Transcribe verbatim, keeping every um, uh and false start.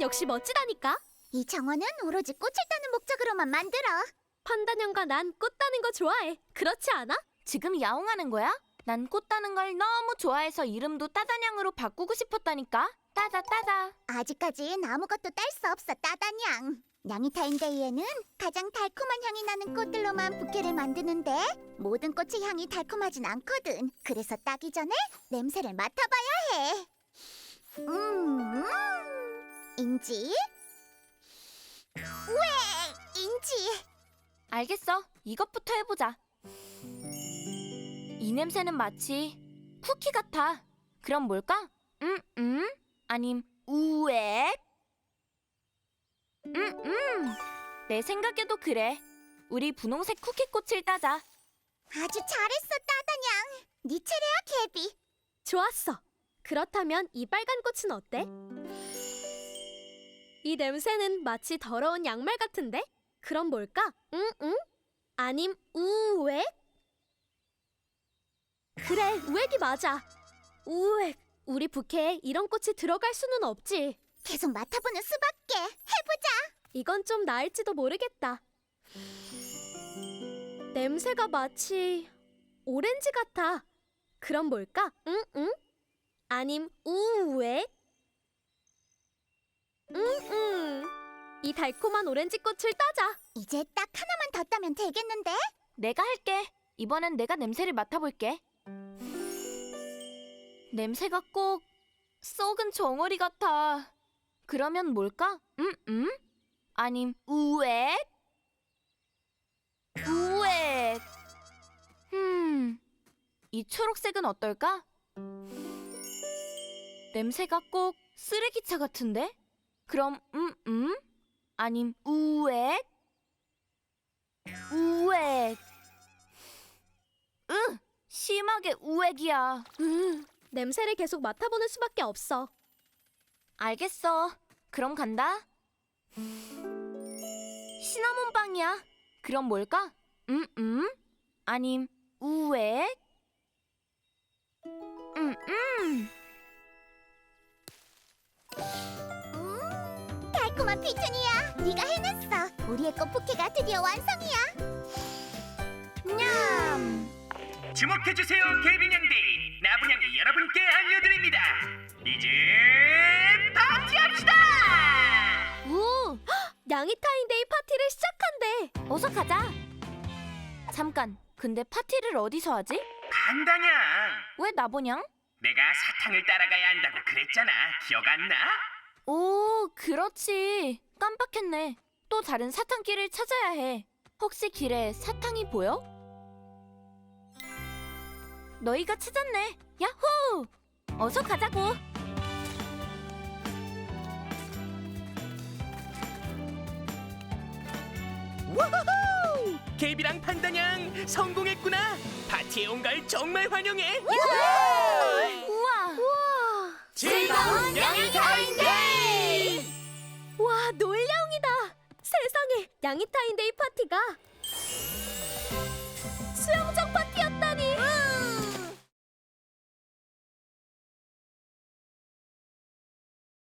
역시 멋지다니까. 이 정원은 오로지 꽃을 따는 목적으로만 만들어. 판다년과 난 꽃 따는 거 좋아해. 그렇지 않아? 지금 야옹하는 거야? 난 꽃 따는 걸 너무 좋아해서 이름도 따다냥으로 바꾸고 싶었다니까. 따다 따다. 아직까진 아무것도 딸 수 없어, 따다냥. 냥이타임데이에는 가장 달콤한 향이 나는 꽃들로만 부케를 만드는데 모든 꽃의 향이 달콤하진 않거든. 그래서 따기 전에 냄새를 맡아봐야 해. 음, 인지? 왜, 인지? 알겠어. 이것부터 해보자. 이 냄새는 마치 쿠키 같아. 그럼 뭘까? 음, 음? 아님 우엑? 음, 음. 내 생각에도 그래. 우리 분홍색 쿠키꽃을 따자. 아주 잘했어, 따다냥. 네 차례야, 개비. 좋았어. 그렇다면 이 빨간 꽃은 어때? 이 냄새는 마치 더러운 양말 같은데? 그럼 뭘까? 응, 응? 아님 우웩? 그래, 우웩이 맞아. 우웩. 우리 부케에 이런 꽃이 들어갈 수는 없지. 계속 맡아보는 수밖에. 해보자. 이건 좀 나을지도 모르겠다. 냄새가 마치 오렌지 같아. 그럼 뭘까? 응, 응? 아님 우웩? 응, 응. 이 달콤한 오렌지 꽃을 따자. 이제 딱 하나만 더 따면 되겠는데? 내가 할게. 이번엔 내가 냄새를 맡아볼게. 냄새가 꼭 썩은 정어리 같아. 그러면 뭘까? 음, 음? 아님 우웩? 우웩. 음, 이 초록색은 어떨까? 냄새가 꼭 쓰레기차 같은데? 그럼 음, 음? 아님 우웩? 우웩. 으, 심하게 우웩이야. 음, 냄새를 계속 맡아보는 수밖에 없어. 알겠어. 그럼 간다. 시나몬 빵이야. 그럼 뭘까? 음, 음? 아님 우웩? 음, 음. 음, 달콤한 피투니아. 네가 해냈어. 우리의 꽃 부케가 드디어 완성이야. 냠. 주목해주세요, 개빈양데이. 나분양이 여러분께 알려드립니다. 이제 파티합시다. 우, 냥이타임데이 파티를 시작한대. 어서 가자. 잠깐. 근데 파티를 어디서 하지? 간다냥. 왜 나보냥? 내가 사탕을 따라가야 한다고 그랬잖아. 기억 안 나? 오, 그렇지. 깜빡했네. 또 다른 사탕길을 찾아야 해. 혹시 길에 사탕이 보여? 너희가 찾았네. 야호! 어서 가자고. 우후후! 개비랑 판다냥 성공했구나. 파티에 온 걸 정말 환영해. 우와! 우와, 즐거운 냥이타임데이! 와, 놀야옹이다. 세상에, 냥이타임데이 파티가